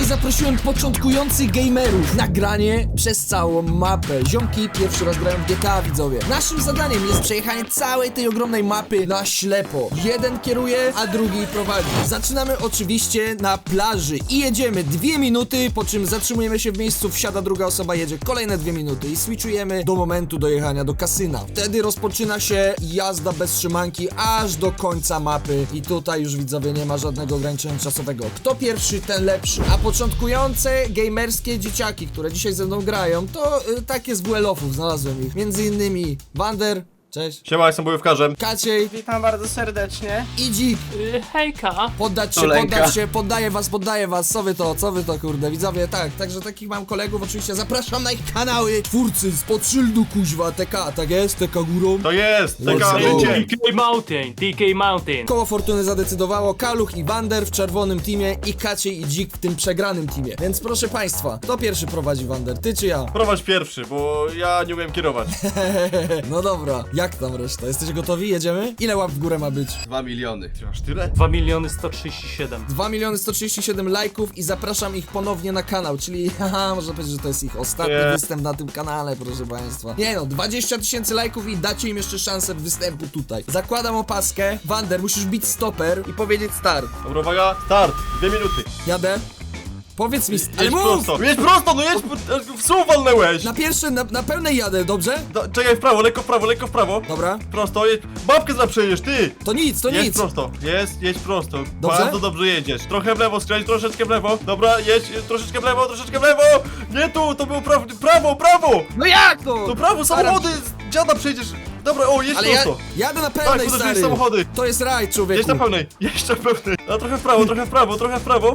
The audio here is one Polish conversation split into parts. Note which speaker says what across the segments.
Speaker 1: zaprosiłem początkujących gamerów. Nagranie przez całą mapę. Ziomki pierwszy raz grają w GTA, widzowie. Naszym zadaniem jest przejechanie całej tej ogromnej mapy na ślepo. Jeden kieruje, a drugi prowadzi. Zaczynamy oczywiście na plaży i jedziemy 2 minuty, po czym zatrzymujemy się w miejscu, wsiada druga osoba, jedzie kolejne 2 minuty i switchujemy do momentu dojechania do kasyna. Wtedy rozpoczyna się jazda bez trzymanki aż do końca mapy i tutaj już, widzowie, nie ma żadnego ograniczenia czasowego. Kto pierwszy, ten lepszy. A początkujące gamerskie dzieciaki, które dzisiaj ze mną grają, to takie z WL-ów znalazłem ich. Między innymi Wander. Cześć.
Speaker 2: Siema, jestem bojówkarzem.
Speaker 1: Kaciej.
Speaker 3: Witam bardzo serdecznie.
Speaker 1: I Dzik.
Speaker 4: Hejka.
Speaker 1: Poddać się, poddaję was, co wy to, kurde, widzowie, tak, także takich mam kolegów, oczywiście zapraszam na ich kanały. Twórcy spod szyldu, kuźwa, TK, tak jest, TK górą.
Speaker 2: To jest, taka
Speaker 1: Let's go.
Speaker 2: życie.
Speaker 4: TK Mountain.
Speaker 1: Koło fortuny zadecydowało Kaluch i Wander w czerwonym teamie i Kaciej i Dzik w tym przegranym teamie. Więc proszę państwa, kto pierwszy prowadzi, Wander, ty czy ja?
Speaker 2: Prowadź pierwszy, bo ja nie umiem kierować.
Speaker 1: No dobra, jak tam reszta? Jesteście gotowi? Jedziemy? Ile łap w górę ma być?
Speaker 5: 2 miliony.
Speaker 2: Ty masz tyle?
Speaker 4: 2 137 000.
Speaker 1: 2 137 lajków i zapraszam ich ponownie na kanał, czyli haha, można powiedzieć, że to jest ich ostatni
Speaker 2: Nie.
Speaker 1: występ na tym kanale, proszę państwa. Nie no, 20 000 lajków i dacie im jeszcze szansę występu tutaj. Zakładam opaskę. Wander, musisz bić stoper i powiedzieć start.
Speaker 2: Dobra, uwaga, start, 2 minuty.
Speaker 1: Jadę. Powiedz mi, ale
Speaker 2: Jedź
Speaker 1: mów!
Speaker 2: prosto, jedź prosto, no jedź, w słów walnęłeś.
Speaker 1: Na pierwsze, na pełnej jadę, dobrze?
Speaker 2: Czekaj, w prawo, lekko w prawo, lekko w prawo.
Speaker 1: Dobra.
Speaker 2: Prosto, jedź, babkę za przejedziesz, ty.
Speaker 1: To nic, to
Speaker 2: Jedź
Speaker 1: nic.
Speaker 2: prosto, jedź prosto.
Speaker 1: Dobrze?
Speaker 2: Bardzo dobrze jedziesz. Trochę w lewo skręć, troszeczkę w lewo. Dobra, jedź, troszeczkę w lewo, troszeczkę w lewo. Nie tu, to było prawo.
Speaker 1: No jak to?
Speaker 2: To prawo, samochody, dziada przejdziesz. Dobra, o, jedź
Speaker 1: Ale ja
Speaker 2: prosto.
Speaker 1: jadę na
Speaker 2: Tak,
Speaker 1: pełnej,
Speaker 2: podeszli
Speaker 1: stary.
Speaker 2: samochody.
Speaker 1: To jest raj, człowieku.
Speaker 2: Jedź na pełnej, jeszcze w pełnej. A trochę w prawo, trochę w prawo, trochę w prawo.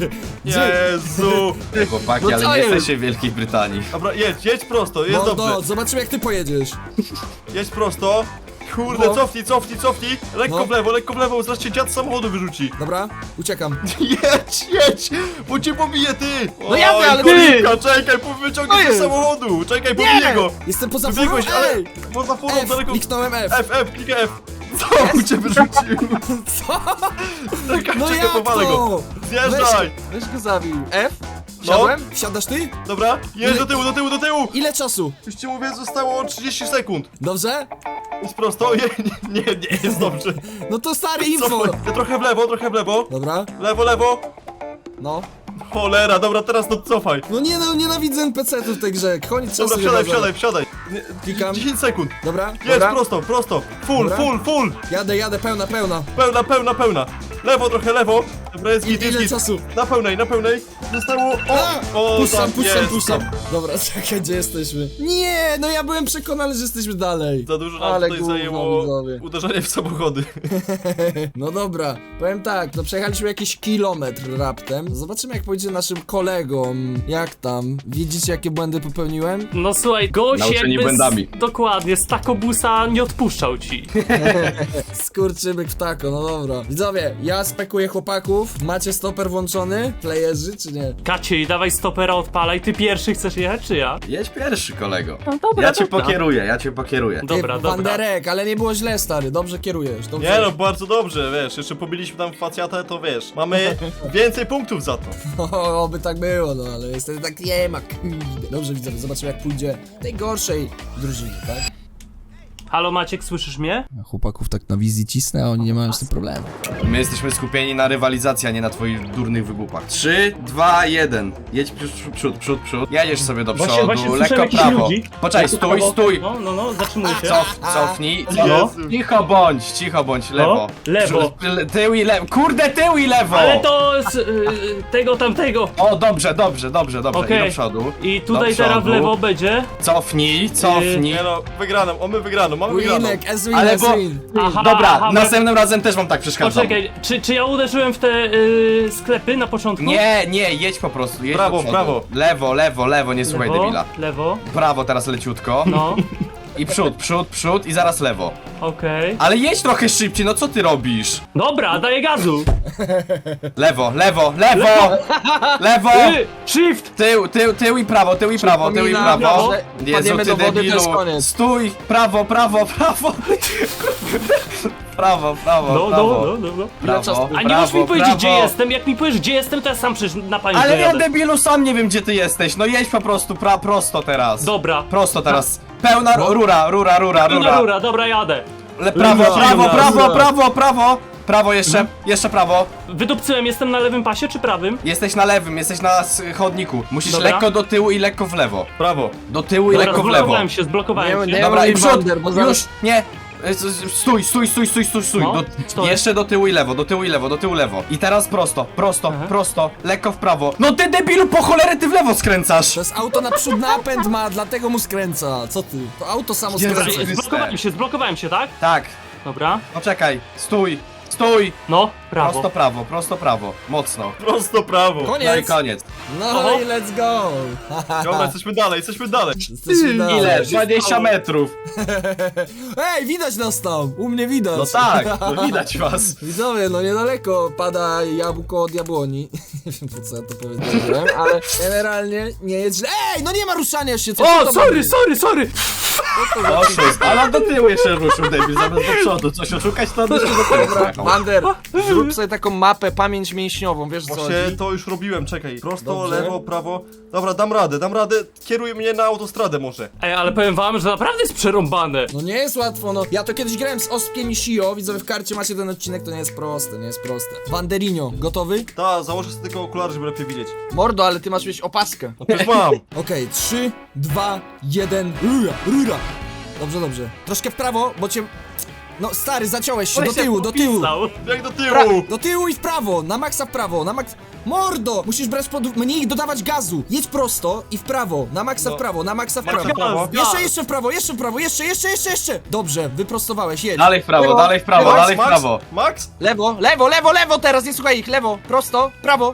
Speaker 2: Jezu.
Speaker 5: Chłopaki,
Speaker 1: No co
Speaker 5: ale nie
Speaker 1: jest?
Speaker 5: jesteście w Wielkiej Brytanii.
Speaker 2: Dobra, jedź prosto, jest
Speaker 1: No,
Speaker 2: dobrze.
Speaker 1: zobaczymy jak ty pojedziesz.
Speaker 2: Jedź prosto. Kurde,
Speaker 1: No.
Speaker 2: cofnij. Lekko
Speaker 1: No.
Speaker 2: w lewo, zaraz cię dziad z samochodu wyrzuci.
Speaker 1: Dobra, uciekam.
Speaker 2: Jedź, bo cię pobije, ty.
Speaker 1: No jadę, ale
Speaker 2: ty. Czekaj, wyciągnij się z
Speaker 1: jest?
Speaker 2: samochodu. Czekaj, pobiję go.
Speaker 1: Jestem poza furą,
Speaker 2: Wybiegłeś, ale
Speaker 1: ej!
Speaker 2: poza furą
Speaker 1: F,
Speaker 2: daleko.
Speaker 1: kliknąłem F.
Speaker 2: F, klikaj F. Co cię wyrzucił?
Speaker 1: Co?
Speaker 2: Czekaj,
Speaker 1: No jak
Speaker 2: powalę go.
Speaker 1: to?
Speaker 2: Zjeżdżaj.
Speaker 3: Weź go zabił. F?
Speaker 2: No,
Speaker 1: Wsiadasz ty?
Speaker 2: dobra, jedź do tyłu.
Speaker 1: Ile czasu?
Speaker 2: Już ci mówię, zostało 30 sekund.
Speaker 1: Dobrze?
Speaker 2: Jest prosto, nie jest dobrze.
Speaker 1: No to stary info.
Speaker 2: Cofnij. Trochę w lewo.
Speaker 1: Dobra,
Speaker 2: Lewo.
Speaker 1: no.
Speaker 2: Cholera, dobra, teraz to cofaj.
Speaker 1: No nie no, nienawidzę NPC-ów w tej grze. Koniec czasu.
Speaker 2: Dobra,
Speaker 1: nie ma.
Speaker 2: wsiadaj.
Speaker 1: Klikam.
Speaker 2: 10 sekund.
Speaker 1: Dobra,
Speaker 2: Jedź
Speaker 1: dobra.
Speaker 2: prosto. Full.
Speaker 1: Jadę, pełna.
Speaker 2: Pełna. Lewo, trochę lewo. Dobra, jest git,
Speaker 1: Ile czasu?
Speaker 2: Na pełnej. Zostało...
Speaker 1: Puszczam.
Speaker 2: tam.
Speaker 1: Dobra, czekaj, gdzie jesteśmy? Nie, no ja byłem przekonany, że jesteśmy dalej.
Speaker 2: Za dużo nam
Speaker 1: Ale
Speaker 2: tutaj
Speaker 1: gówno,
Speaker 2: zajęło
Speaker 1: widzowie.
Speaker 2: uderzenie w samochody.
Speaker 1: No dobra, powiem tak, no przejechaliśmy jakiś kilometr raptem. Zobaczymy jak pójdzie naszym kolegom. Jak tam? Widzicie jakie błędy popełniłem?
Speaker 4: No słuchaj, gość
Speaker 5: Nauczeni
Speaker 4: jakby
Speaker 5: błędami.
Speaker 4: dokładnie, z takobusa nie odpuszczał ci.
Speaker 1: Skurczybyk ptako, no dobra. Widzowie, ja spekuję chłopaków. Macie stoper włączony? Playerzy czy nie?
Speaker 4: Kaciej, dawaj stopera, odpalaj. Ty pierwszy chcesz jechać, czy ja?
Speaker 5: Jedź pierwszy, kolego.
Speaker 4: No dobra,
Speaker 5: Ja cię
Speaker 4: dobra.
Speaker 5: pokieruję.
Speaker 4: Dobra.
Speaker 1: Wanderek, ale nie było źle, stary. Dobrze kierujesz. Dobrze.
Speaker 2: Nie no, bardzo dobrze, wiesz, jeszcze pobiliśmy tam facjatę, to wiesz, mamy więcej punktów za to.
Speaker 1: O, oby tak było, no ale niestety tak nie ma. Kurde. Dobrze, widzowie, zobaczymy jak pójdzie tej gorszej drużynie, tak?
Speaker 4: Halo Maciek, słyszysz mnie?
Speaker 1: Chłopaków tak na wizji cisnę, a oni nie mają z tym problemu.
Speaker 5: My jesteśmy skupieni na rywalizacji, a nie na twoich durnych wygłupach. 3, 2, 1. Jedź przód. Jedziesz sobie do przodu,
Speaker 4: Właśnie słyszę
Speaker 5: lekko
Speaker 4: jakichś
Speaker 5: prawo.
Speaker 4: ludzi.
Speaker 5: Poczekaj, stój.
Speaker 4: No, zatrzymuj się.
Speaker 5: Cofnij.
Speaker 2: Jezu.
Speaker 5: Cicho bądź, lewo.
Speaker 4: Lewo.
Speaker 5: Tył i lewo. Kurde, tył i lewo!
Speaker 4: Ale to z tego tamtego.
Speaker 5: O, dobrze.
Speaker 4: Okej.
Speaker 5: I do przodu.
Speaker 4: I tutaj
Speaker 5: Do
Speaker 4: teraz w
Speaker 5: przodu.
Speaker 4: lewo będzie.
Speaker 5: Cofnij.
Speaker 2: Nie no, mamy wygraną.
Speaker 1: Winek, as win,
Speaker 5: Ale
Speaker 1: as
Speaker 5: bo-
Speaker 1: win.
Speaker 5: Dobra, następnym razem też wam tak przeszkadzam.
Speaker 4: Poczekaj, czy ja uderzyłem w te sklepy na początku?
Speaker 5: Nie, jedź po prostu, jedź
Speaker 2: Prawo,
Speaker 5: do przodu.
Speaker 2: prawo.
Speaker 5: Lewo, nie słuchaj debila.
Speaker 4: Lewo,
Speaker 5: Prawo teraz leciutko.
Speaker 4: no,
Speaker 5: I przód i zaraz lewo.
Speaker 4: okej.
Speaker 5: Ale jedź trochę szybciej, no co ty robisz?
Speaker 4: Dobra, daję gazu!
Speaker 5: Lewo!
Speaker 4: Shift!
Speaker 5: Tył i prawo.
Speaker 3: Przypominam, że
Speaker 5: Jezu,
Speaker 3: wpadniemy
Speaker 5: ty
Speaker 3: do wody, to
Speaker 5: debilu.
Speaker 3: jest koniec.
Speaker 5: Stój! Prawo! prawo, prawo,
Speaker 4: No,
Speaker 5: prawo.
Speaker 4: no.
Speaker 5: Prawo,
Speaker 4: A nie możesz mi
Speaker 5: prawo,
Speaker 4: powiedzieć, gdzie
Speaker 5: prawo.
Speaker 4: jestem. Jak mi powiesz, gdzie jestem, to ja sam przecież na pamięć
Speaker 5: Ale ja,
Speaker 4: dojadę.
Speaker 5: debilu, sam nie wiem, gdzie ty jesteś. No jedź po prostu, prosto teraz.
Speaker 4: Dobra.
Speaker 5: Prosto teraz. Pełna rura.
Speaker 4: Rura, dobra, jadę.
Speaker 5: Prawo,
Speaker 4: Rura.
Speaker 5: prawo. Prawo jeszcze, jeszcze prawo.
Speaker 4: Wydupcyłem, jestem na lewym pasie czy prawym?
Speaker 5: Jesteś na lewym, jesteś na chodniku. Musisz
Speaker 4: Dobra.
Speaker 5: lekko do tyłu i lekko w lewo.
Speaker 2: Prawo.
Speaker 5: Do tyłu i
Speaker 4: Dobra,
Speaker 5: lekko w lewo.
Speaker 4: zblokowałem się.
Speaker 3: Nie,
Speaker 5: Dobra, i
Speaker 3: mam
Speaker 5: przód,
Speaker 3: wander, bo zaraz-
Speaker 5: już, nie. Stój.
Speaker 4: No, stoję.
Speaker 5: Jeszcze do tyłu i lewo, do tyłu i lewo. I teraz prosto, lekko w prawo. No ty debilu, po cholerę ty w lewo skręcasz.
Speaker 1: To jest auto naprzód napęd ma, dlatego mu skręca. Co ty? To auto samo
Speaker 5: Jezu.
Speaker 1: skręca.
Speaker 4: Zblokowałem się, tak?
Speaker 5: Tak,
Speaker 4: Dobra.
Speaker 5: poczekaj, stój.
Speaker 4: No, prawo.
Speaker 5: Prosto prawo, mocno.
Speaker 2: Prosto prawo.
Speaker 5: No i
Speaker 1: Koniec.
Speaker 5: koniec.
Speaker 1: No
Speaker 4: Oho.
Speaker 1: i let's go.
Speaker 2: Dobra, jesteśmy dalej.
Speaker 1: Jesteśmy dalej.
Speaker 5: Ile? 20 metrów.
Speaker 1: Ej, widać nas tam. U mnie widać.
Speaker 5: No tak, no widać was.
Speaker 1: Widzowie, no niedaleko pada jabłko od jabłoni. Nie wiem, po co ja to powiedziałem, ale generalnie nie jest źle. Ej, no nie ma ruszania się, co
Speaker 4: O,
Speaker 1: to
Speaker 4: sorry!
Speaker 5: Oszust, ale do tyłu jeszcze ruszył debil, zamiast do przodu. Coś oszukać, to jeszcze do tyłu pojechał.
Speaker 3: Wander, zrób sobie taką mapę, pamięć mięśniową, wiesz co
Speaker 2: Właśnie
Speaker 3: chodzi?
Speaker 2: to już robiłem, czekaj. Prosto,
Speaker 1: Dobrze.
Speaker 2: lewo, prawo. Dobra, dam radę. Kieruj mnie na autostradę może.
Speaker 4: Ej, ale powiem wam, że naprawdę jest przerąbane.
Speaker 1: No nie jest łatwo, no. Ja to kiedyś grałem z Ospkiem i Shio, widzowie, w karcie macie ten odcinek, to nie jest proste. Banderinho, gotowy?
Speaker 2: Ta, założę sobie tylko okulary, żeby lepiej widzieć.
Speaker 3: Mordo, ale ty masz mieć opaskę.
Speaker 2: Już mam.
Speaker 1: Okej, 3, 2, 1, rura. Dobrze. Troszkę w prawo, bo cię... No stary, zaciąłeś się, do tyłu.
Speaker 4: Popisał.
Speaker 2: Jak do tyłu.
Speaker 1: Do tyłu i w prawo, na maksa w prawo, Mordo! Musisz brać mniej dodawać gazu. Jedź prosto i w prawo, na maksa w prawo, na maksa w prawo.
Speaker 2: prawo.
Speaker 1: Jeszcze w prawo, jeszcze. Dobrze, wyprostowałeś, jedź.
Speaker 5: Dalej w prawo, dalej w prawo.
Speaker 2: Max?
Speaker 3: Lewo teraz, nie słuchaj ich, lewo, prosto,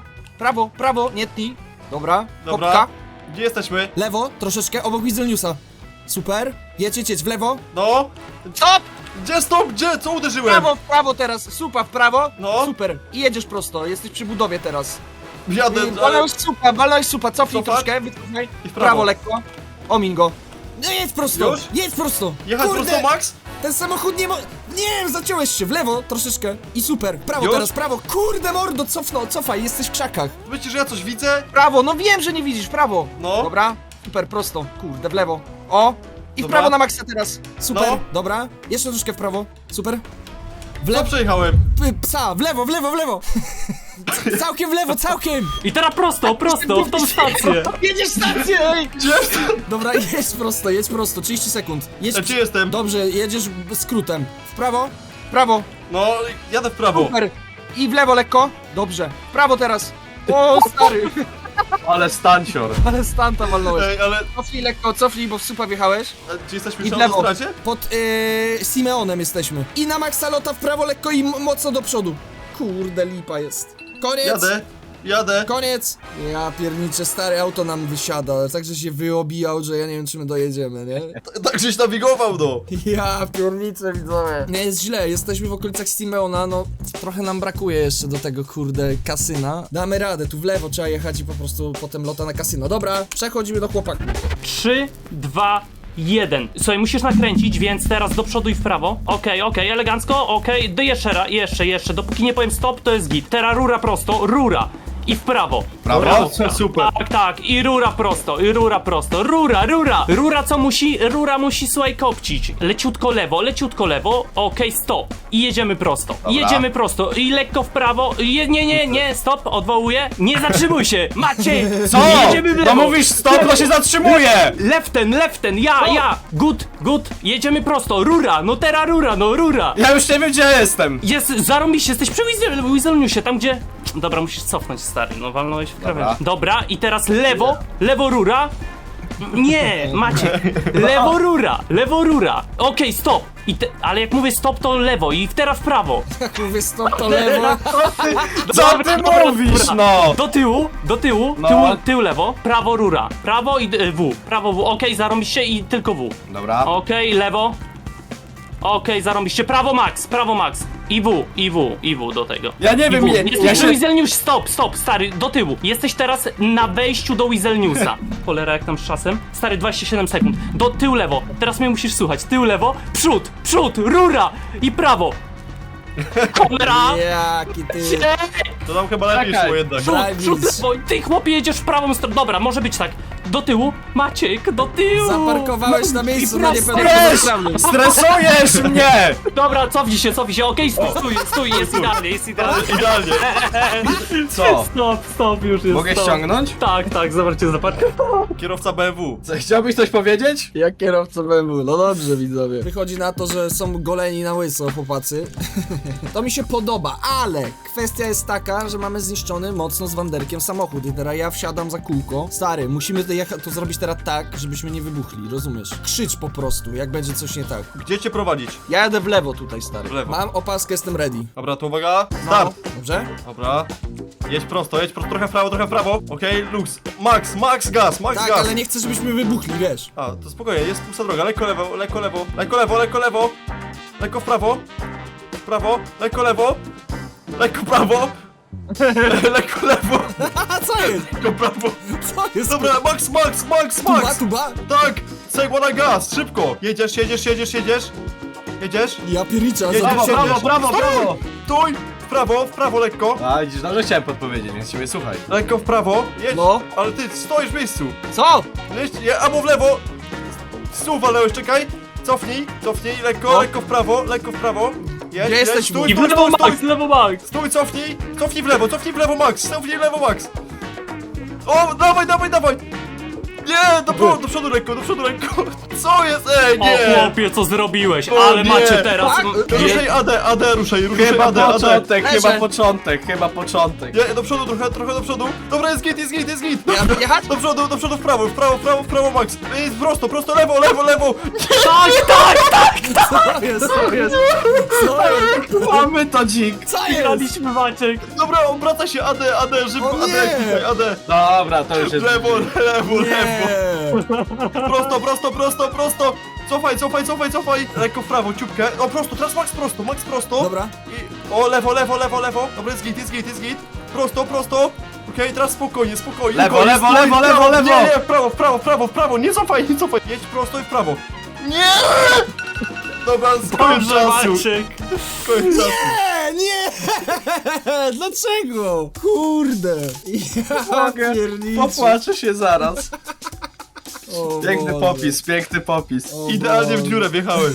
Speaker 3: prawo, nie tnij. Dobra,
Speaker 2: Dobra.
Speaker 3: hopka.
Speaker 2: Gdzie jesteśmy?
Speaker 1: Lewo, troszeczkę, obok Wizelniusa. Super, jedź, w lewo.
Speaker 2: No.
Speaker 3: Stop!
Speaker 2: Gdzie stop? Gdzie? Co uderzyłem?
Speaker 3: W prawo teraz, supa w prawo.
Speaker 2: No.
Speaker 3: Super, i jedziesz prosto, jesteś przy budowie teraz.
Speaker 2: Jadę, ale...
Speaker 3: Walnąłeś supa, cofnij
Speaker 2: Cofać?
Speaker 3: troszkę, wycofaj.
Speaker 2: I w
Speaker 3: W
Speaker 2: prawo.
Speaker 3: prawo lekko. Omin go.
Speaker 1: No jedź prosto.
Speaker 2: Jechać
Speaker 1: Kurde,
Speaker 2: prosto, Max?
Speaker 1: ten samochód nie Nie, zaciąłeś się, w lewo troszeczkę i super. Prawo
Speaker 2: Już?
Speaker 1: teraz, prawo. Kurde mordo, cofaj, jesteś w krzakach.
Speaker 2: Myślisz, że ja coś widzę?
Speaker 3: Prawo, no wiem, że nie widzisz, prawo.
Speaker 2: No.
Speaker 3: Dobra, super, prosto. Kurde, w lewo. O! I w
Speaker 2: Dobra.
Speaker 3: prawo na maksa teraz.
Speaker 1: Super,
Speaker 2: No.
Speaker 1: dobra. Jeszcze troszkę w prawo. Super. W
Speaker 2: Co
Speaker 1: lewo,
Speaker 2: przejechałem?
Speaker 1: psa, w lewo. Całkiem w lewo, całkiem.
Speaker 4: I teraz prosto, w tą stację.
Speaker 3: Jedziesz stację, ej!
Speaker 2: Gdzie jestem?
Speaker 1: Dobra, jedź prosto, 30 sekund.
Speaker 2: Gdzie jestem?
Speaker 1: Dobrze, jedziesz skrótem. W prawo.
Speaker 3: Prawo,
Speaker 2: No, jadę w prawo.
Speaker 3: super. I w lewo lekko. Dobrze. W prawo teraz. O, stary.
Speaker 5: Ale stancior.
Speaker 3: Ale stanta walnąłeś.
Speaker 2: Ej, ale...
Speaker 3: Cofnij, bo w supa wjechałeś.
Speaker 2: Gdzie jesteśmy?
Speaker 3: I
Speaker 2: Przy
Speaker 3: w lewo.
Speaker 2: autostradzie?
Speaker 1: Pod Simeonem jesteśmy. I na maksa lota w prawo lekko i mocno do przodu. Kurde, lipa jest. Koniec.
Speaker 2: Jadę.
Speaker 1: Koniec! Ja pierniczę, stare auto nam wysiada, ale także się wyobijał, że ja nie wiem, czy my dojedziemy, nie?
Speaker 2: Tak żeś nawigował, no.
Speaker 1: Ja pierniczę, widzowie. Nie jest źle, jesteśmy w okolicach Simeona, no trochę nam brakuje jeszcze do tego, kurde, kasyna. Damy radę, tu w lewo trzeba jechać i po prostu potem lota na kasyno. Dobra, przechodzimy do chłopaków.
Speaker 4: 3, 2, 1. Słuchaj, musisz nakręcić, więc teraz do przodu i w prawo. Okej, elegancko, okej. Jeszcze. Dopóki nie powiem stop, to jest git. Teraz rura prosto, rura. I w prawo.
Speaker 5: Prawo?
Speaker 2: Super.
Speaker 4: Tak. I rura prosto. Rura co musi? Rura musi, słuchaj, kopcić. Leciutko lewo. Okej, stop. I jedziemy prosto. I lekko w prawo. Nie, stop, odwołuję. Nie zatrzymuj się, Maciej.
Speaker 5: Co?
Speaker 4: Jedziemy w
Speaker 5: No
Speaker 4: lewo.
Speaker 5: mówisz stop, to się zatrzymuje!
Speaker 4: Leften, ja. Good. Jedziemy prosto. Rura.
Speaker 5: Ja już nie wiem, gdzie ja jestem.
Speaker 4: Zarąbiście, jesteś przy Wizelniusie, tam gdzie... Dobra, musisz cofnąć, stary, no walnąłeś w krawędź. Dobra, i teraz lewo rura. Nie, Maciek, lewo rura. Okej, stop. Ale jak mówię stop, to lewo i teraz w prawo.
Speaker 1: Jak mówię stop, to lewo.
Speaker 5: Co ty mówisz, no?
Speaker 4: Do tyłu,
Speaker 5: No.
Speaker 4: tył lewo, prawo rura. Prawo i prawo W. Okej, zarąbiście i tylko W.
Speaker 5: Dobra.
Speaker 4: Okej, lewo. Okej, zarąbiście. Prawo max. I W do tego.
Speaker 5: Ja nie wiem,
Speaker 4: Jesteś przy Wizelnius, stop, stary, do tyłu. Jesteś teraz na wejściu do Wizelniusa. Cholera, jak tam z czasem? Stary, 27 sekund. Do tył lewo. Teraz mnie musisz słuchać. Tył lewo, przód, rura i prawo. Cholera!
Speaker 1: Jaki ty...
Speaker 2: To nam chyba lepiej
Speaker 5: Czekaj.
Speaker 2: szło jednak.
Speaker 4: Przód,
Speaker 1: Drive
Speaker 4: przód,
Speaker 1: is-
Speaker 4: lewo. Ty chłopie jedziesz w prawą stronę. Dobra, może być tak. Do tyłu. Maciek, do tyłu.
Speaker 1: Zaparkowałeś na miejscu, no nie
Speaker 4: prosto.
Speaker 1: pewnie.
Speaker 5: Stresujesz mnie!
Speaker 4: Dobra, cofnij się, okej, stój, jest idealnie.
Speaker 2: Idealnie.
Speaker 5: Co?
Speaker 4: Stop, już jest.
Speaker 5: Mogę
Speaker 4: stop.
Speaker 5: ściągnąć?
Speaker 4: Tak, zobaczcie, zaparkował.
Speaker 2: Kierowca BMW.
Speaker 5: Co, chciałbyś coś powiedzieć?
Speaker 1: Jak kierowca BMW, no dobrze widzowie. Wychodzi na to, że są goleni na łyso chłopacy. To mi się podoba, ale kwestia jest taka, że mamy zniszczony mocno z wanderkiem samochód i teraz ja wsiadam za kółko. Stary, musimy to zrobić teraz tak, żebyśmy nie wybuchli, rozumiesz? Krzycz po prostu, jak będzie coś nie tak.
Speaker 2: Gdzie cię prowadzić?
Speaker 3: Ja jadę w lewo tutaj, stary.
Speaker 2: W lewo.
Speaker 1: Mam opaskę, jestem ready.
Speaker 2: Dobra, to uwaga. Start.
Speaker 1: Dobrze?
Speaker 2: Dobra. Jedź prosto, trochę w prawo. Okej, luz. Max gaz.
Speaker 1: Tak, ale nie chcę, żebyśmy wybuchli, wiesz.
Speaker 2: A, to spokojnie, jest pusta droga. Lekko lewo. Lekko w prawo. Lekko lewo. Lekko prawo. Lekko lewo.
Speaker 1: A co jest?
Speaker 2: Lekko prawo.
Speaker 1: Co jest?
Speaker 2: Dobra, Max.
Speaker 1: Tuba?
Speaker 2: Tak, segła na gaz, szybko. Jedziesz.
Speaker 1: Ja piernicza,
Speaker 2: Jedziesz,
Speaker 1: za...
Speaker 2: jedziesz.
Speaker 5: brawo.
Speaker 2: Stój. W prawo lekko.
Speaker 5: A, widzisz, dobrze chciałem podpowiedzieć, więc siebie słuchaj.
Speaker 2: Lekko w prawo. Jedź.
Speaker 3: No.
Speaker 2: Ale ty stoisz w miejscu.
Speaker 3: Co?
Speaker 2: Albo w lewo. Stół walnąłeś, czekaj. Cofnij,
Speaker 3: No.
Speaker 2: lekko w prawo. Jedź,
Speaker 3: Gdzie jesteś,
Speaker 2: stój,
Speaker 4: I w lewo Max.
Speaker 2: Stój, cofnij w lewo, Max. O, dawaj. Nie, do przodu lekko. Co jest?
Speaker 4: O
Speaker 2: Nie.
Speaker 4: chłopie, co zrobiłeś?
Speaker 2: O,
Speaker 4: Ale
Speaker 2: nie.
Speaker 4: macie teraz.
Speaker 2: Ruszaj AD, ruszaj
Speaker 5: Chyba
Speaker 2: AD.
Speaker 5: chyba początek.
Speaker 2: Nie, do przodu trochę do przodu. Dobra, jest git.
Speaker 3: Ja jechać?
Speaker 2: Do przodu, w prawo, Max. Jest prosto, lewo.
Speaker 4: Tak!
Speaker 1: Co jest? Co jest?
Speaker 5: Mamy to dzik.
Speaker 1: Co jest?
Speaker 4: Graliśmy Maciek.
Speaker 2: Dobra, obraca się AD, szybko,
Speaker 1: O nie.
Speaker 2: AD.
Speaker 5: Dobra, to już jest...
Speaker 2: Lewo.
Speaker 1: Nie.
Speaker 2: Prosto. Cofaj. Lekko w prawo, ciupkę. O, prosto, teraz Max prosto.
Speaker 1: Dobra.
Speaker 2: I... O, lewo. Dobra, jest git. Prosto. Okej, teraz spokojnie.
Speaker 5: Lewo.
Speaker 2: Nie, w prawo. Nie cofaj. Jedź prosto i w prawo. Nie! Dobra, koniec
Speaker 4: Dobrze,
Speaker 2: czasu.
Speaker 4: Maciek.
Speaker 2: Koniec czasu.
Speaker 1: Nie! Dlaczego? Kurde! Ja pierniczę.
Speaker 5: Popłaczę się zaraz.
Speaker 1: O
Speaker 5: Piękny
Speaker 1: Boże.
Speaker 5: popis.
Speaker 1: O
Speaker 2: Idealnie w
Speaker 1: Boże.
Speaker 2: dziurę wjechałeś.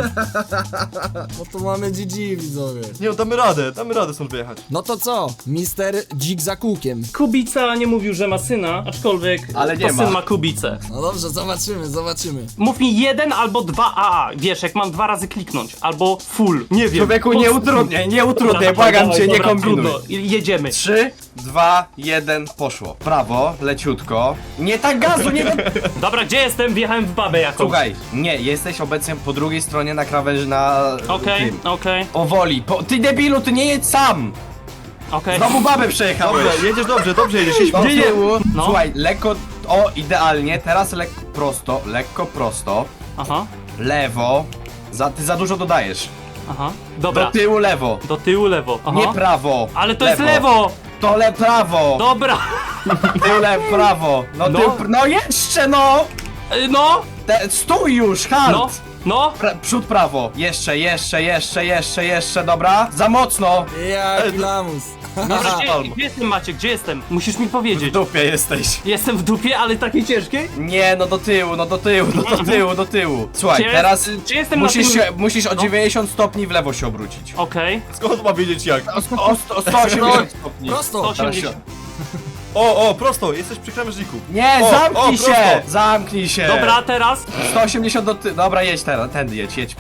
Speaker 1: No to mamy GG, widzowie.
Speaker 2: Nie, damy radę stąd wyjechać.
Speaker 1: No to co? Mister Dzik za kółkiem.
Speaker 4: Kubica nie mówił, że ma syna, aczkolwiek
Speaker 5: Ale nie
Speaker 4: to
Speaker 5: ma.
Speaker 4: syn ma Kubicę.
Speaker 1: No dobrze, zobaczymy.
Speaker 4: Mów mi 1 albo 2 AA. Wiesz, jak mam 2 razy kliknąć. Albo full. Nie wiem.
Speaker 5: Człowieku, nie utrudniaj, błagam cię, nie kombinuj.
Speaker 4: Trudno. Jedziemy.
Speaker 5: 3, 2, 1, poszło. Prawo, leciutko. Nie tak gazu, nie...
Speaker 4: Dobra, gdzie jestem? Wjechałem w babę jakąś.
Speaker 5: Słuchaj, nie, jesteś obecnie po drugiej stronie na krawędzi na...
Speaker 4: Okej.
Speaker 5: tym. Powoli, ty debilu, ty nie jedź sam! Znowu babę przejechałeś!
Speaker 2: Dobrze, jedziesz dobrze jedziesz.
Speaker 5: Do tyłu.
Speaker 4: No.
Speaker 5: Słuchaj, lekko, idealnie, teraz lekko prosto,
Speaker 4: Aha,
Speaker 5: lewo, ty za dużo dodajesz.
Speaker 4: aha.
Speaker 5: Do
Speaker 4: Dobra.
Speaker 5: tyłu lewo,
Speaker 4: Do tyłu lewo. Aha.
Speaker 5: nie prawo.
Speaker 4: Ale to jest lewo!
Speaker 5: To prawo,
Speaker 4: Dobra.
Speaker 5: tył prawo,
Speaker 4: No.
Speaker 5: no jeszcze no!
Speaker 4: No,
Speaker 5: Stój już, halt!
Speaker 4: no.
Speaker 5: Przód prawo, jeszcze, dobra, za mocno!
Speaker 1: Jaki lamus.
Speaker 4: Gdzie jestem, Maciek? Gdzie jestem? Musisz mi
Speaker 5: W
Speaker 4: powiedzieć.
Speaker 5: dupie jesteś.
Speaker 4: Jestem w dupie, ale takiej ciężkiej?
Speaker 5: Nie, no do tyłu. Słuchaj,
Speaker 4: Czy
Speaker 5: teraz
Speaker 4: czy jestem
Speaker 5: musisz,
Speaker 4: na tym...
Speaker 5: musisz o 90 stopni w lewo się obrócić.
Speaker 4: Okej.
Speaker 2: Skąd ma wiedzieć jak?
Speaker 5: O 180 stopni.
Speaker 1: Prosto.
Speaker 4: 180.
Speaker 2: O, prosto, jesteś przy krawężniku.
Speaker 5: Nie,
Speaker 2: O,
Speaker 5: zamknij
Speaker 2: prosto.
Speaker 5: się! Zamknij się!
Speaker 4: Dobra, teraz.
Speaker 5: 180 do ty... Dobra, jedź teraz, tędy jedź,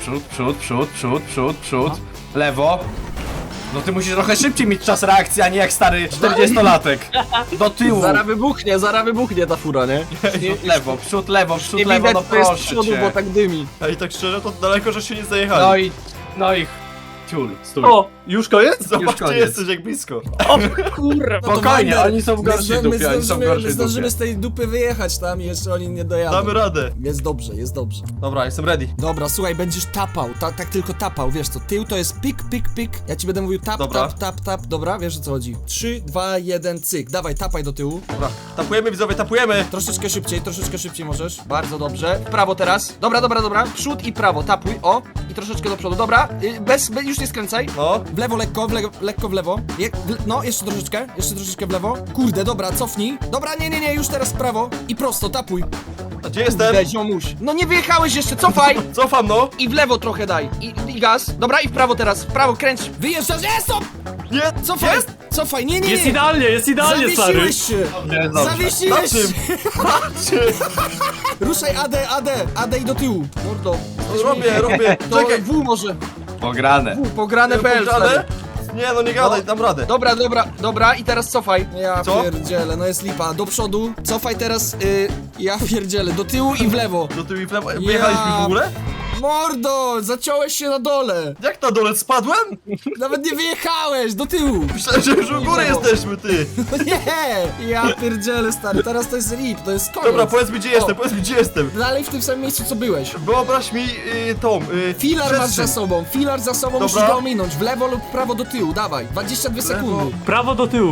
Speaker 5: przód, lewo. No ty musisz trochę szybciej mieć czas reakcji, a nie jak stary 40-latek. Do tyłu.
Speaker 3: Zaraz wybuchnie ta fura, nie?
Speaker 5: Przód lewo,
Speaker 3: Nie
Speaker 5: no
Speaker 3: widać, co jest z
Speaker 5: proszę
Speaker 3: przodu, bo
Speaker 5: cię.
Speaker 3: tak dymi.
Speaker 2: Ej, tak szczerze, to daleko, że się nie zajechali.
Speaker 5: No i... Ciul, stój.
Speaker 4: O,
Speaker 5: Już koniec? Już
Speaker 2: Zobacz, ty
Speaker 5: koniec.
Speaker 2: jesteś jak blisko.
Speaker 4: Kurwa.
Speaker 1: No to
Speaker 5: Spokojnie,
Speaker 1: Wander,
Speaker 5: oni są w gorszej dupie, oni są w gorszej
Speaker 1: zdążymy
Speaker 5: dupie.
Speaker 1: z tej dupy wyjechać tam i jeszcze oni nie dojadą.
Speaker 2: Damy radę.
Speaker 1: Jest dobrze, jest dobrze.
Speaker 2: Dobra, jestem ready.
Speaker 1: Dobra, słuchaj, będziesz tapał, tak tylko tapał, wiesz co, tył to jest pik, pik, pik. Ja ci będę mówił tap,
Speaker 2: Dobra.
Speaker 1: tap, tap, tap, dobra, wiesz o co chodzi. 3, 2, 1, cyk, dawaj, tapaj do tyłu.
Speaker 2: Dobra, tapujemy widzowie, tapujemy.
Speaker 1: Troszeczkę szybciej możesz.
Speaker 3: Bardzo dobrze. W prawo teraz. Dobra, dobra, dobra. Przód i prawo. Tapuj. O. I troszeczkę do przodu. Dobra. Już nie skręcaj.
Speaker 2: No.
Speaker 1: W lewo, lekko w lewo. No, jeszcze troszeczkę w lewo. Kurde, dobra, cofnij. Dobra, nie, już teraz w prawo. I prosto, tapuj.
Speaker 2: A gdzie jestem?
Speaker 3: Kurde, ziomuś. No nie wyjechałeś jeszcze. Cofaj.
Speaker 2: Cofam, no.
Speaker 3: I w lewo trochę daj. I gaz. Dobra, i w prawo teraz. W prawo kręć.
Speaker 1: Wyjeżdżasz, stop!
Speaker 2: Nie,
Speaker 1: Cofaj,
Speaker 2: jest?
Speaker 1: cofaj, nie.
Speaker 4: Jest idealnie, stary.
Speaker 1: Zawiesiłeś się.
Speaker 5: Jest dobrze.
Speaker 2: Na
Speaker 1: Zawiesiłeś
Speaker 2: czym?
Speaker 1: się.
Speaker 2: Na czym?
Speaker 1: Ruszaj AD i do tyłu.
Speaker 3: Mordo.
Speaker 2: Robię.
Speaker 3: To
Speaker 2: Czekaj.
Speaker 3: W może.
Speaker 5: Pograne.
Speaker 3: Pograne.pl.
Speaker 2: Pograne? Nie, no nie gadaj,
Speaker 3: No.
Speaker 2: dam radę.
Speaker 3: Dobra. I teraz cofaj.
Speaker 1: Ja
Speaker 2: Co?
Speaker 1: pierdzielę, no jest lipa. Do przodu, cofaj teraz, ja pierdzielę, do tyłu i w lewo.
Speaker 2: Do tyłu i w lewo. Wyjechaliśmy w ogóle?
Speaker 1: Mordo, zaciąłeś się na dole.
Speaker 2: Jak na dole spadłem?
Speaker 1: Nawet nie wyjechałeś, do tyłu.
Speaker 2: Myślałem, że już u góry
Speaker 3: lewo.
Speaker 2: jesteśmy, ty.
Speaker 1: No nie, ja pierdzielę, stary, teraz to jest lip, to jest koniec.
Speaker 2: Dobra, powiedz mi gdzie jestem,
Speaker 1: Dalej w tym samym miejscu, co byłeś.
Speaker 2: Wyobraź mi tą,
Speaker 1: Filar masz
Speaker 2: przestrzeń.
Speaker 1: za sobą, musisz
Speaker 2: Dobra.
Speaker 1: go ominąć, w lewo lub prawo do tyłu, dawaj, 22 sekundy.
Speaker 4: Prawo do tyłu.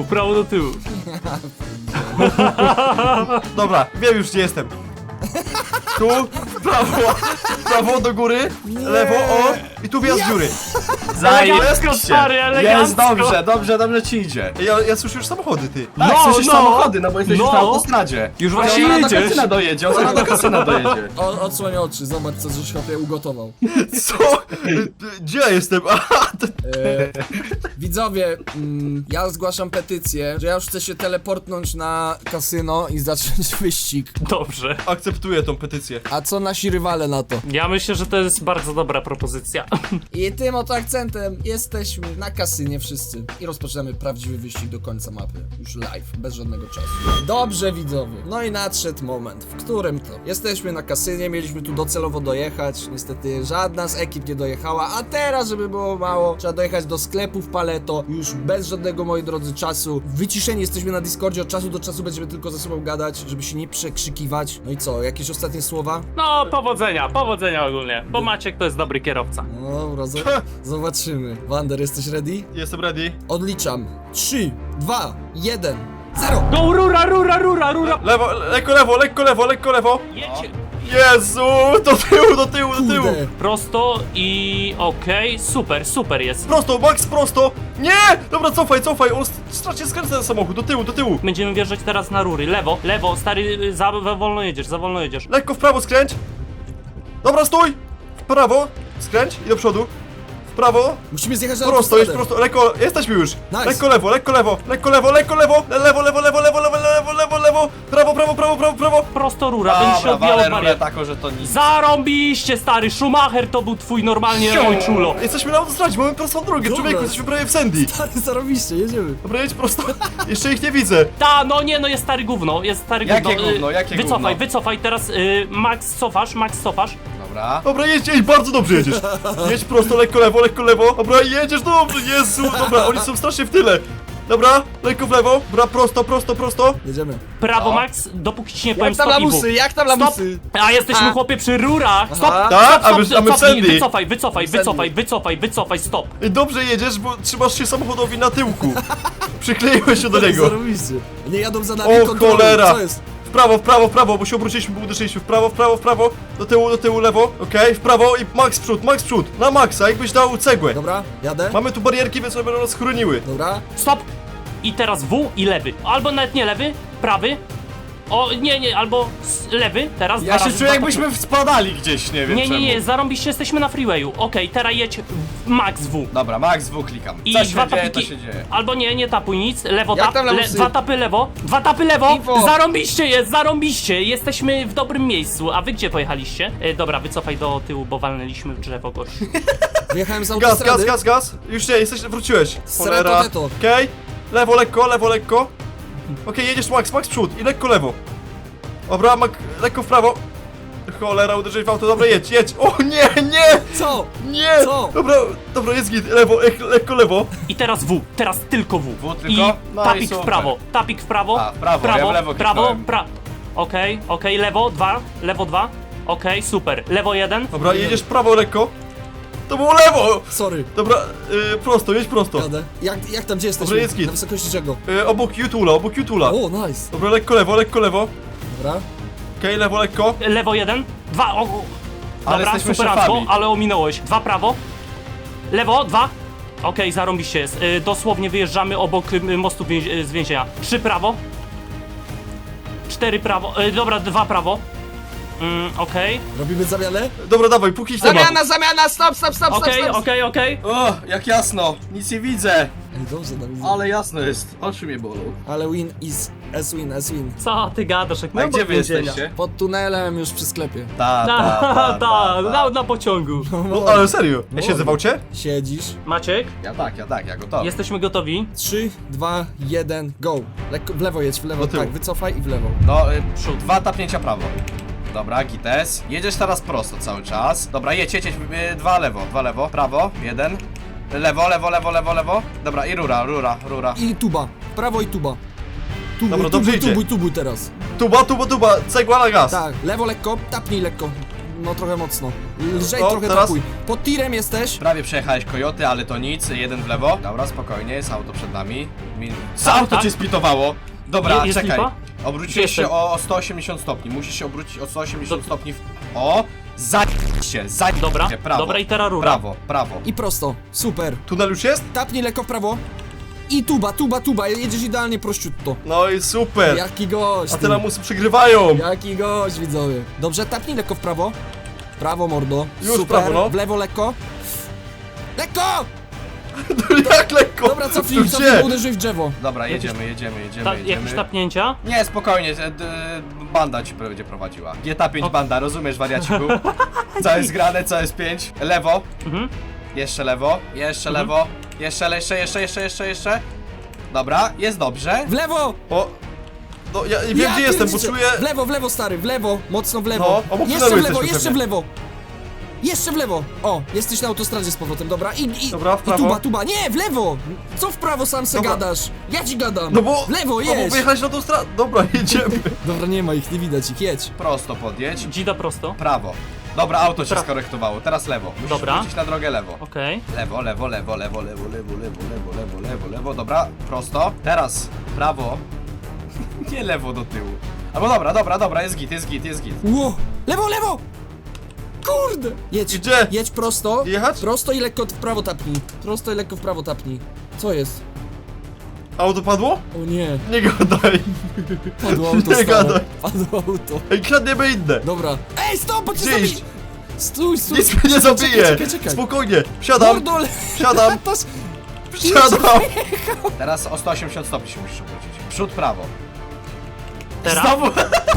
Speaker 2: Dobra, wiem już gdzie jestem. Tu, prawo do góry, lewo, o, i tu wjazd dziury.
Speaker 4: Elegancko, stary, elegancko.
Speaker 5: Jest dobrze ci idzie.
Speaker 2: Ja słyszę już samochody, ty.
Speaker 5: Tak,
Speaker 4: No,
Speaker 5: słyszysz
Speaker 4: no.
Speaker 5: samochody, no bo jesteś już
Speaker 4: No.
Speaker 5: na autostradzie.
Speaker 4: Już właśnie
Speaker 5: On zaraz do
Speaker 4: jedziesz.
Speaker 5: kasyna dojedzie, on zaraz do kasyna dojedzie.
Speaker 1: Odsłoń oczy, zobacz co żeś chłopie ugotował.
Speaker 2: Co? Gdzie ja jestem? Aha, to...
Speaker 1: Widzowie, ja zgłaszam petycję, że ja już chcę się teleportnąć na kasyno i zacząć wyścig.
Speaker 4: Dobrze.
Speaker 2: Akceptuję tą petycję.
Speaker 1: A co nasi rywale na to?
Speaker 4: Ja myślę, że to jest bardzo dobra propozycja.
Speaker 1: I tym oto akcentem jesteśmy na kasynie wszyscy i rozpoczynamy prawdziwy wyścig do końca mapy. Już live, bez żadnego czasu. Dobrze widzowie, no i nadszedł moment, w którym to jesteśmy na kasynie, mieliśmy tu docelowo dojechać, niestety żadna z ekip nie dojechała, a teraz, żeby było mało, trzeba dojechać do sklepów Paleto, już bez żadnego, moi drodzy, czasu. Wyciszeni jesteśmy na Discordzie, od czasu do czasu będziemy tylko ze sobą gadać, żeby się nie przekrzykiwać. No i co, jakieś ostatnie słowa?
Speaker 4: No, powodzenia ogólnie, bo Maciek to jest dobry kierowca.
Speaker 1: No dobra, zobaczymy. Wander, jesteś ready?
Speaker 2: Jestem ready.
Speaker 1: Odliczam. 3, 2, 1, 0.
Speaker 4: Go, rura!
Speaker 2: Lewo, lekko lewo.
Speaker 4: Jedźcie.
Speaker 2: Jezu, do tyłu.
Speaker 1: Kurde.
Speaker 4: Prosto i okej, super jest.
Speaker 2: Prosto, Max, prosto. Nie! Dobra, cofaj, on straci skręca ten samochód, do tyłu.
Speaker 4: Będziemy wjeżdżać teraz na rury. Lewo, stary, za wolno jedziesz.
Speaker 2: Lekko w prawo skręć. Dobra, stój. W prawo, skręć i do przodu. W prawo,
Speaker 1: Musimy zjechać na
Speaker 2: prosto, jest
Speaker 1: autostradę.
Speaker 2: prosto, lekko, jesteśmy już.
Speaker 1: Nice.
Speaker 2: Lekko lewo, lewo, prawo.
Speaker 4: Prosto rura, będzie się odbijał od barier.
Speaker 5: taką, że to nic.
Speaker 4: Zarąbiście, stary, Schumacher to był twój normalnie ojczulo.
Speaker 2: Jesteśmy na autostradzie, mamy prostą drogę,
Speaker 1: Dobra.
Speaker 2: człowieku, jesteśmy prawie w Sandy.
Speaker 1: Stary, zarobiście, jedziemy.
Speaker 2: Dobra, jedź prosto. Jeszcze ich nie widzę.
Speaker 4: Ta, no nie, no jest stary gówno.
Speaker 5: Jakie gówno, jakie gówno?
Speaker 4: Wycofaj, teraz Max cofasz.
Speaker 5: Dobra.
Speaker 2: Dobra, jedź, bardzo dobrze jedziesz. Jedź prosto, lekko lewo. Dobra, jedziesz dobrze, Jezu. Dobra, oni są strasznie w tyle. Dobra, lekko w lewo. Dobra, prosto.
Speaker 1: Jedziemy.
Speaker 4: Prawo
Speaker 5: No.
Speaker 4: Max, dopóki ci nie powiem
Speaker 3: Jak tam
Speaker 4: stop i
Speaker 3: lamusy, jak tam
Speaker 4: Stop!
Speaker 3: lamusy?
Speaker 4: A jesteśmy
Speaker 3: A.
Speaker 4: chłopie przy rurach! Stop!
Speaker 2: Tak? A my w
Speaker 4: Cofnij,
Speaker 2: Sandy.
Speaker 4: wycofaj, stop!
Speaker 2: Dobrze jedziesz, bo trzymasz się samochodowi na tyłku. Przykleiłeś się do niego.
Speaker 1: Zarobiście. Nie jadą za nami,
Speaker 2: O
Speaker 1: kontrolują.
Speaker 2: cholera!
Speaker 1: Co jest?
Speaker 2: W prawo, bo się obróciliśmy, bo uderzyliśmy. W prawo. Do tyłu, lewo. Okej, w prawo i max przód. Na maksa, jakbyś dał cegłę.
Speaker 1: Dobra, jadę.
Speaker 2: Mamy tu barierki, więc one będą nas chroniły.
Speaker 1: Dobra.
Speaker 4: Stop! I teraz W i lewy. Albo nawet nie lewy, prawy. O, nie, albo lewy, teraz
Speaker 5: Ja
Speaker 4: dwa
Speaker 5: się
Speaker 4: razy,
Speaker 5: czuję
Speaker 4: dwa
Speaker 5: jakbyśmy spadali gdzieś, nie wiem czemu.
Speaker 4: Nie, zarąbiście jesteśmy na freewayu. Okej, teraz jedź Max W.
Speaker 5: Dobra, Max W klikam.
Speaker 4: I
Speaker 5: Co
Speaker 4: dwa
Speaker 5: się dzieje, to
Speaker 4: tapiki.
Speaker 5: się dzieje.
Speaker 4: Albo nie tapuj nic. Lewo
Speaker 3: Jak
Speaker 4: tap,
Speaker 3: tam lamusy?
Speaker 4: dwa tapy lewo.
Speaker 3: Info.
Speaker 4: Zarąbiście. Jesteśmy w dobrym miejscu. A wy gdzie pojechaliście? Dobra, wycofaj do tyłu, bo walnęliśmy w drzewo gościu.
Speaker 1: Wyjechałem z autostrady.
Speaker 2: Gaz. Już nie, wróciłeś.
Speaker 1: Srato teto.
Speaker 2: Okej, lewo, lekko. Okej, jedziesz max przód i lekko lewo. Dobra, lekko w prawo. Cholera, uderzyłeś w auto, dobra, jedź, jedź. O nie, nie,
Speaker 1: Co?
Speaker 2: nie.
Speaker 1: Co?
Speaker 2: Dobra, jest git, lewo, lekko lewo.
Speaker 4: I teraz W, teraz tylko W.
Speaker 5: W tylko?
Speaker 4: I
Speaker 5: No i
Speaker 4: tapik w
Speaker 5: super.
Speaker 4: prawo, tapik w prawo.
Speaker 5: A, w prawo, ja w lewo kliknąłem.
Speaker 4: Okej, lewo 2. Okej, super. Lewo 1.
Speaker 2: Dobra, jedziesz prawo lekko. To było lewo.
Speaker 1: Sorry.
Speaker 2: Dobra, prosto, jedź prosto.
Speaker 1: Jadę. Jak tam, gdzie jesteśmy?
Speaker 2: Dobra, jest git.
Speaker 1: Na wysokości czego?
Speaker 2: Obok Jutula.
Speaker 1: O, nice.
Speaker 2: Dobra, lekko lewo.
Speaker 1: Dobra.
Speaker 2: Okej, lewo lekko.
Speaker 4: Lewo 1. 2.
Speaker 5: Ale
Speaker 4: Dobra,
Speaker 5: jesteśmy
Speaker 4: superancko,
Speaker 5: szefami.
Speaker 4: ale ominąłeś. 2 prawo. Lewo 2. Okej, zarąbiście jest. Dosłownie wyjeżdżamy obok mostu z więzienia. 3 prawo. 4 prawo. Dobra, 2 prawo. Okej.
Speaker 1: Robimy zamianę?
Speaker 2: Dobra, dawaj, póki temat.
Speaker 3: Zamiana, stop.
Speaker 4: Okej.
Speaker 5: O, jak jasno, nic nie widzę.
Speaker 1: Ej, dobrze, Dawid.
Speaker 5: Ale jasno jest, oczy mnie bolą.
Speaker 1: Ale win is as win.
Speaker 4: Co ty gadasz? Jak
Speaker 5: A
Speaker 4: my
Speaker 5: gdzie
Speaker 4: obok
Speaker 5: wy
Speaker 4: więzienia.
Speaker 5: jesteście?
Speaker 1: Pod tunelem już przy sklepie.
Speaker 4: Na pociągu.
Speaker 2: No, ale serio. Ja siedzę w aucie?
Speaker 1: Siedzisz.
Speaker 4: Maciek,
Speaker 5: Ja gotowy.
Speaker 4: jesteśmy gotowi.
Speaker 1: 3, 2, 1, go. Lekko w lewo jedź, w lewo,
Speaker 2: Do tyłu.
Speaker 1: tak, wycofaj i w lewo.
Speaker 5: No, przód. 2 tapnięcia prawo. Dobra, gites. Jedziesz teraz prosto cały czas. Dobra, jedź. 2 lewo, prawo, 1. Lewo. Dobra, i rura.
Speaker 1: I tuba. Prawo i tuba.
Speaker 2: Dobra, dobrze idzie.
Speaker 1: Tubuj teraz.
Speaker 2: Tuba, cegła na gaz.
Speaker 1: Tak, lewo lekko, tapnij lekko. No trochę mocno. Lżej
Speaker 2: O,
Speaker 1: trochę
Speaker 2: teraz?
Speaker 1: tapuj. Pod tirem jesteś.
Speaker 5: Prawie przejechałeś Coyote, ale to nic. 1 w lewo. Dobra, spokojnie, jest auto przed nami.
Speaker 4: Tak,
Speaker 5: Auto
Speaker 4: tak.
Speaker 5: cię spitowało. Dobra,
Speaker 4: Jest
Speaker 5: czekaj.
Speaker 4: lipa?
Speaker 5: Obróciłeś się
Speaker 4: Jestem.
Speaker 5: o 180 stopni. Musisz się obrócić o 180 stopni. O! Zajdź
Speaker 4: Dobra,
Speaker 5: prawo.
Speaker 4: dobra, i teraz rura.
Speaker 5: Prawo.
Speaker 1: I prosto. Super.
Speaker 2: Tunel już jest?
Speaker 1: Tapnij lekko w prawo. I tuba. Jedziesz idealnie prościutto.
Speaker 2: No i super.
Speaker 1: Jaki gość.
Speaker 2: A
Speaker 1: ty.
Speaker 2: te lamusy przegrywają.
Speaker 1: Jaki gość, widzowie. Dobrze, tapnij lekko w prawo. Prawo, mordo.
Speaker 2: Już
Speaker 1: Super.
Speaker 2: prawo, no.
Speaker 1: W lewo lekko. Lekko!
Speaker 2: Jak lekko.
Speaker 1: Dobra, cofnij,
Speaker 2: Gdzie?
Speaker 1: uderzyj w drzewo.
Speaker 5: Dobra,
Speaker 4: Jakieś-
Speaker 5: jedziemy.
Speaker 4: Jakieś tapnięcia?
Speaker 5: Nie, spokojnie, banda ci będzie prowadziła. GTA 5 banda, rozumiesz, wariaciku? Co jest grane, co jest 5? Lewo.
Speaker 4: Mhm.
Speaker 5: Jeszcze lewo. Jeszcze. Dobra, jest dobrze.
Speaker 1: W lewo!
Speaker 2: O. No ja nie wiem gdzie jestem, bo
Speaker 1: pierdzielę.
Speaker 2: czuję...
Speaker 1: W lewo, stary, w lewo. Mocno w lewo.
Speaker 2: No, obok
Speaker 1: Jeszcze
Speaker 2: tunelu
Speaker 1: w lewo,
Speaker 2: jesteśmy
Speaker 1: jeszcze w
Speaker 2: pewnie.
Speaker 1: lewo. Jeszcze w lewo. O, jesteś na autostradzie z powrotem, dobra.
Speaker 2: Dobra, w
Speaker 1: I
Speaker 2: prawo.
Speaker 1: tuba. Nie, w lewo! Co w prawo sam se
Speaker 2: Dobra.
Speaker 1: gadasz? Ja ci gadam.
Speaker 2: No bo...
Speaker 1: W lewo,
Speaker 2: No bo
Speaker 1: jedź.
Speaker 2: wyjechać na tą stronę. Dobra, jedziemy.
Speaker 1: Dobra, nie ma ich, nie widać ich, jedź.
Speaker 5: Prosto podjedź.
Speaker 4: Dzida prosto.
Speaker 5: Prawo. Dobra, auto się
Speaker 4: Pra-
Speaker 5: skorektowało, teraz lewo. Musisz
Speaker 4: Dobra.
Speaker 5: wrócić na drogę lewo.
Speaker 4: Okej.
Speaker 5: Lewo. Dobra, prosto. Teraz prawo. Nie lewo do tyłu. Albo dobra, jest git.
Speaker 1: Ło! Lewo! Kurde! Jedź.
Speaker 2: Gdzie?
Speaker 1: Jedź prosto.
Speaker 2: Jechać?
Speaker 1: Prosto i lekko w prawo tapnij. Co jest?
Speaker 2: Auto padło?
Speaker 1: O nie,
Speaker 2: Nie gadaj.
Speaker 1: padło auto,
Speaker 2: Nie
Speaker 1: stare.
Speaker 2: gadaj.
Speaker 1: Padło auto.
Speaker 2: Ej, kradniemy inne.
Speaker 1: Dobra. Ej, stop, bo cię
Speaker 2: Gdzie
Speaker 1: zabij!
Speaker 2: iść?
Speaker 1: Stój.
Speaker 2: Nic mnie nie zabije.
Speaker 1: Czekaj.
Speaker 2: Spokojnie. Wsiadam.
Speaker 1: Mordo,
Speaker 2: Wsiadam.
Speaker 1: latasz.
Speaker 2: Wsiadam.
Speaker 5: Teraz o 180 stopni się musisz obrócić. Przód prawo.
Speaker 4: Teraz?
Speaker 5: Znowu!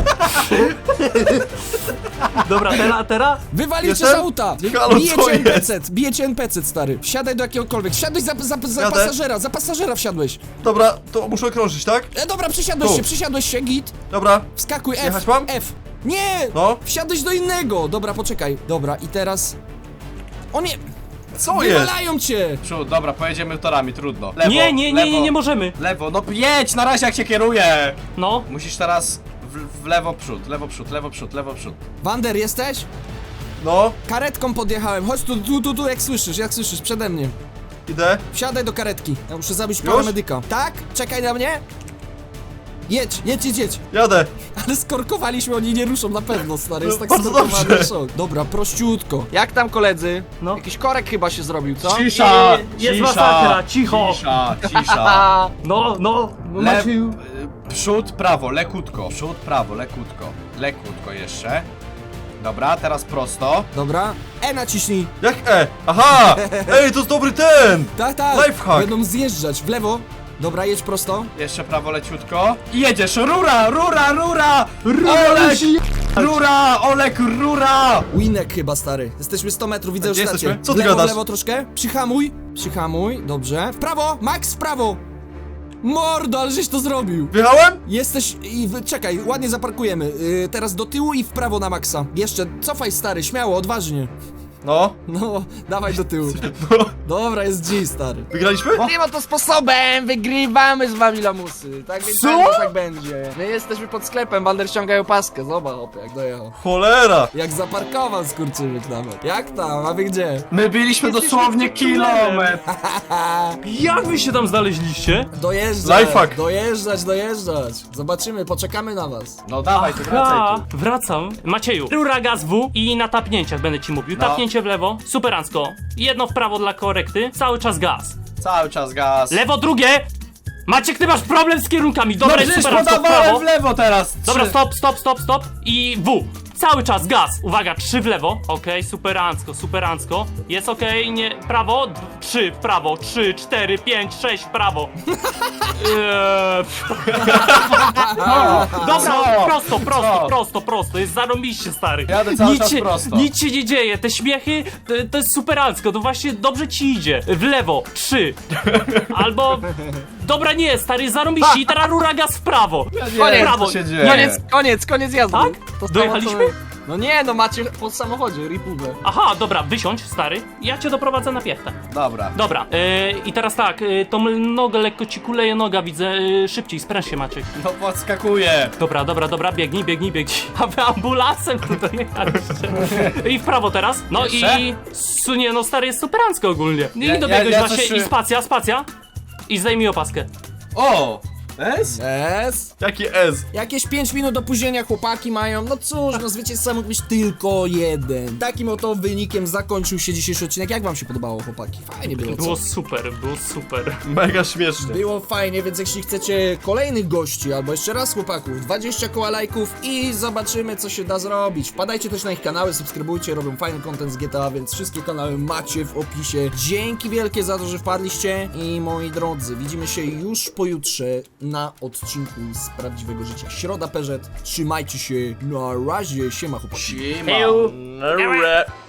Speaker 4: Dobra, teraz?
Speaker 1: Wywalił cię z
Speaker 2: Jestem?
Speaker 1: auta!
Speaker 2: Halo,
Speaker 1: Bije
Speaker 2: co
Speaker 1: cię
Speaker 2: jest?
Speaker 1: NPC, bije cię NPC, stary. Wsiadaj do jakiegokolwiek. Wsiadłeś za
Speaker 2: Jadę.
Speaker 1: za pasażera wsiadłeś.
Speaker 2: Dobra, to muszę okrążyć, tak?
Speaker 1: Dobra,
Speaker 2: Tu.
Speaker 1: przesiadłeś się, git.
Speaker 2: Dobra.
Speaker 1: Wskakuj, F.
Speaker 2: Jechać mam?
Speaker 1: F. Nie!
Speaker 2: No.
Speaker 1: Wsiadłeś do innego. Dobra, poczekaj. Dobra, i teraz... O nie!
Speaker 2: Co jest?
Speaker 1: Wywalają cię!
Speaker 5: Przód, dobra, pojedziemy torami, trudno. Lewo,
Speaker 4: Nie możemy.
Speaker 5: Lewo, no jedź, na razie jak cię kieruję!
Speaker 4: No.
Speaker 5: Musisz teraz w lewo przód.
Speaker 1: Wander, jesteś?
Speaker 2: No,
Speaker 1: Karetką podjechałem. Chodź tu, jak słyszysz, przede mnie.
Speaker 2: idę.
Speaker 1: Wsiadaj do karetki. Ja muszę zabić
Speaker 2: Już?
Speaker 1: paramedyka. Tak? Czekaj na mnie. Jedź.
Speaker 2: Jadę.
Speaker 1: Ale skorkowaliśmy, oni nie ruszą na pewno, stary. Jest
Speaker 2: No,
Speaker 1: tak
Speaker 2: bardzo
Speaker 1: skorkowany
Speaker 2: dobrze.
Speaker 1: szok. Dobra, prościutko.
Speaker 3: Jak tam koledzy?
Speaker 4: No.
Speaker 3: Jakiś korek chyba się zrobił, co?
Speaker 5: Cisza!
Speaker 4: Jest masakra, cicho.
Speaker 5: Cisza.
Speaker 3: A,
Speaker 4: No.
Speaker 5: Maciu. Przód, prawo, lekutko. Przód, prawo, lekutko. Lekutko jeszcze. Dobra, teraz prosto.
Speaker 1: Dobra. Naciśnij.
Speaker 2: Jak E? Aha! Ej, to jest dobry ten!
Speaker 1: Tak.
Speaker 2: Lifehack.
Speaker 1: Będą zjeżdżać. W lewo. Dobra, jedź prosto.
Speaker 5: Jeszcze prawo leciutko. I jedziesz! Rura! Olek! Rura!
Speaker 1: Winek chyba, stary. Jesteśmy 100 metrów, widzę
Speaker 2: A
Speaker 1: już
Speaker 2: gdzie
Speaker 1: stację.
Speaker 2: jesteśmy? Co
Speaker 1: W
Speaker 2: ty
Speaker 1: lewo,
Speaker 2: gadasz?
Speaker 1: w lewo troszkę. Przyhamuj. Dobrze. W prawo, Max, w prawo. Mordo, ale żeś to zrobił!
Speaker 2: Wjechałem?
Speaker 1: Jesteś... czekaj, ładnie zaparkujemy. Teraz do tyłu i w prawo na maksa. Jeszcze, cofaj stary, śmiało, odważnie.
Speaker 2: No.
Speaker 1: No, dawaj do tyłu. Dobra, jest G, stary.
Speaker 2: Wygraliśmy?
Speaker 3: Nie ma to sposobem, wygrywamy z wami lamusy. Tak więc tak będzie. My jesteśmy pod sklepem, Balder ściągają paskę. Zobacz, hopie, jak dojechał.
Speaker 2: Cholera.
Speaker 1: Jak zaparkował skurczybyk nawet. Jak tam, a wy gdzie?
Speaker 5: My byliśmy dosłownie kilometr.
Speaker 4: Jak wy się tam znaleźliście?
Speaker 1: Dojeżdżać,
Speaker 2: Lifehack.
Speaker 1: dojeżdżać. Zobaczymy, poczekamy na was.
Speaker 5: No dawaj, ty wracaj tu.
Speaker 4: Wracam. Macieju, rura gaz W i na tapnięciach będę ci mówił.
Speaker 5: No.
Speaker 4: Tapnięcie w lewo, superancko. Jedno w prawo dla korekty, cały czas gaz.
Speaker 5: Cały czas gaz.
Speaker 4: Lewo drugie! Maciek, ty masz problem z kierunkami.
Speaker 5: No
Speaker 4: Dobra, jest
Speaker 5: przecież
Speaker 4: superancko w
Speaker 5: podawałem
Speaker 4: prawo.
Speaker 5: w lewo teraz.
Speaker 4: Dobra,
Speaker 5: Trzy.
Speaker 4: stop i W. Cały czas gaz. Uwaga, 3 w lewo. Okej, superancko. Jest okej, nie. Prawo, 3 w prawo, 3, 4, 5, 6 w prawo. Dobra,
Speaker 5: Co?
Speaker 4: prosto. Jest zarąbiście, stary.
Speaker 5: Jadę cały czas prosto.
Speaker 4: Nic się nie dzieje. Te śmiechy, to jest superancko. To właśnie dobrze ci idzie. W lewo, 3. Albo... Dobra, nie, stary, zarąbiście. I teraz rura gaz w prawo.
Speaker 5: Nie,
Speaker 4: prawo.
Speaker 5: co się dzieje?
Speaker 3: Koniec jazdy.
Speaker 4: Tak?
Speaker 3: To samo,
Speaker 4: Dojechaliśmy?
Speaker 3: co- No nie, no macie po samochodzie, ripubę.
Speaker 4: Aha, dobra, wysiądź, stary. Ja cię doprowadzę na piechtę.
Speaker 5: Dobra.
Speaker 4: Dobra, i teraz tak, tą nogę lekko ci kuleje noga, widzę. Szybciej, spręż się, Maciek.
Speaker 5: No podskakuję.
Speaker 4: Dobra, biegnij. A wy ambulansem tu dojechaliście. I w prawo teraz. No
Speaker 5: Jeszcze?
Speaker 4: i... Nie, no stary, jest superancko ogólnie. I dobiegłeś
Speaker 5: ja
Speaker 4: właśnie,
Speaker 5: coś-
Speaker 4: i spacja. I zdejmij opaskę.
Speaker 5: O! S?
Speaker 1: Yes.
Speaker 2: Jaki S?
Speaker 1: Jakieś 5 minut opóźnienia chłopaki mają. No cóż, no zwycięzca mógł być tylko jeden. Takim oto wynikiem zakończył się dzisiejszy odcinek. Jak wam się podobało, chłopaki? Fajnie było, co?
Speaker 4: Było super.
Speaker 2: Mega śmiesznie.
Speaker 1: Było fajnie, więc jeśli chcecie kolejnych gości, albo jeszcze raz chłopaków, 20 koła lajków i zobaczymy, co się da zrobić. Wpadajcie też na ich kanały, subskrybujcie, robią fajny content z GTA, więc wszystkie kanały macie w opisie. Dzięki wielkie za to, że wpadliście i moi drodzy, widzimy się już pojutrze na odcinku z prawdziwego życia. Środa Perzet, trzymajcie się, na razie, siema chłopaki.
Speaker 5: Siema.
Speaker 4: Heju.
Speaker 2: Nara.